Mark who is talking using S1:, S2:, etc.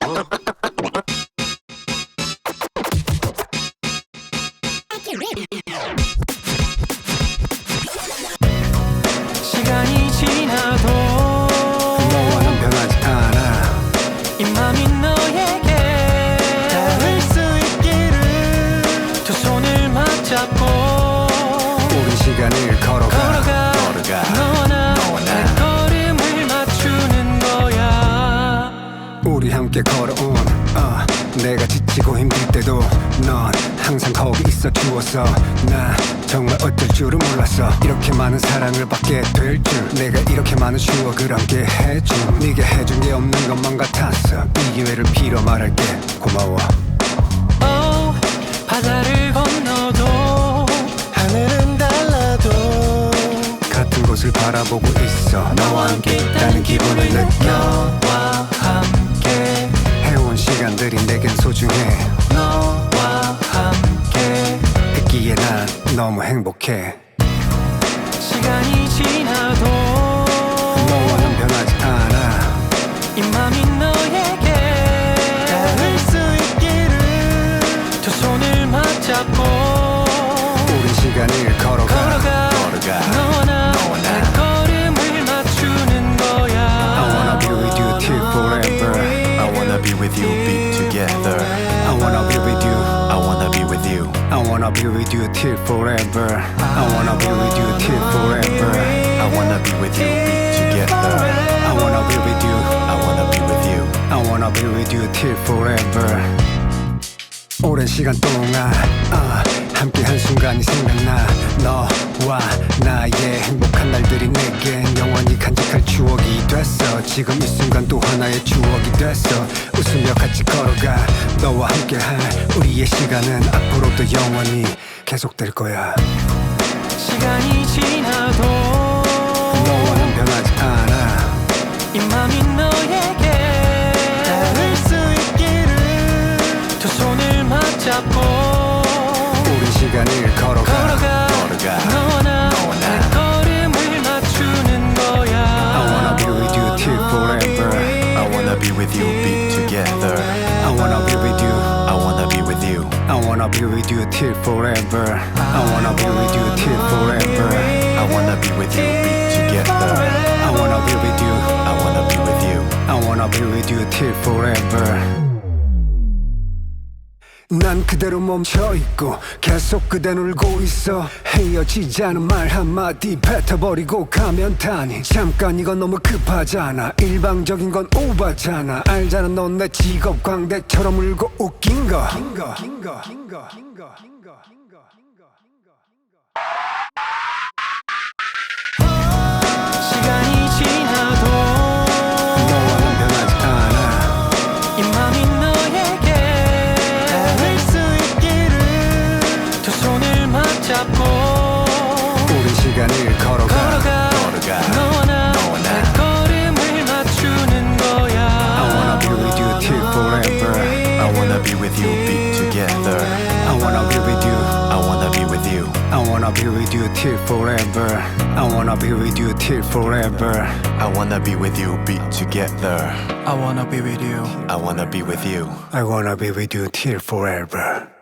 S1: 시간이 지나도
S2: 너와는 변하지 않아.
S1: 이 맘이 너에게 닿을 수 있기를 두 손을 맞잡고
S2: 우린 시간을 걸어가
S1: 너와 나 발걸음을 맞추는 거야.
S2: 우리 함께 걸어온 내가 지치고 힘들 때도 넌 항상 거기 있어 주었어. 나 정말 어쩔 줄은 몰랐어. 이렇게 많은 사랑을 받게 될 줄, 내가 이렇게 많은 추억을 함께 해준, 네게 해준 게 없는 것만 같았어. 이 기회를 빌어 말할게. 고마워.
S1: 바다를 건너도
S3: 하늘은 달라도
S2: 같은 곳을 바라보고 있어.
S1: 너와 함께 있다는 기분을 느껴. 너와 함께
S2: 해온 시간들이 내겐 소중해.
S1: 너와 함께
S2: 있기에 난 너무 행복해.
S1: 시간이 지나도
S2: 너와는 변하지 않아.
S1: 이 맘이 너에게
S3: 닿을 수 있기를
S1: 두 손을 맞잡고
S2: 우린 시간을 걸어가
S1: 너와 나 발걸음을 맞추는 거야.
S2: I wanna be with you till forever.
S3: I wanna be with you, be together.
S2: I wanna be with you.
S3: I wanna be with you.
S2: I wanna be with you till forever. I wanna be with you till forever.
S3: I wanna be with you, be together.
S2: I wanna be with you.
S3: I wanna be with you.
S2: I wanna be with you till forever. 오랜 시간 동안 함께 한 순간이 생각나. 너와 나의 행복한 날들이 내겐 영원히 간직할 추억이 됐어. 지금 이 순간 또 하나의 추억이 됐어. 웃으며 같이 걸어가. 너와 함께할 우리의 시간은 앞으로도 영원히 계속될 거야.
S1: 시간이 지나도
S2: 너와는 변하지 않아.
S1: 이 맘이 너에게
S3: 닿을 수 있기를
S1: 두 손을 맞잡고
S2: 우린 시간을 걸어가
S1: 너와 나 발걸음을 맞추는 거야.
S2: I wanna be with you till forever.
S3: I wanna be with you, be together.
S2: I wanna be with you.
S3: I wanna be with you.
S2: I wanna be with you till forever. I wanna be with you till forever.
S3: I wanna be with you, be together.
S2: I wanna be with you.
S3: I wanna be with you.
S2: I wanna be with you till forever. 난 그대로 멈춰있고 계속 그댄 울고 있어. 헤어지자는 말 한마디 뱉어버리고 가면 타니. 잠깐 이건 너무 급하잖아. 일방적인 건 오바잖아. 알잖아 넌 내 직업 광대처럼 울고 웃긴 거.
S1: 시간이 지나도
S2: 너와는 변하지 않아.
S1: 이 맘이 너에게
S3: 닿을 수 있기를
S1: 두 손을 맞잡고
S2: 우린 시간을 걸어가
S1: 너와 나 발걸음을 맞추는 거야.
S2: I wanna be with you till forever.
S3: I wanna be with you, be together.
S2: I wanna be with you.
S3: I wanna be with you.
S2: I wanna be with you till forever. I wanna be with you till forever.
S3: I wanna be with you, be together.
S1: I wanna be with you.
S3: I wanna be with you.
S2: I wanna be with you till forever.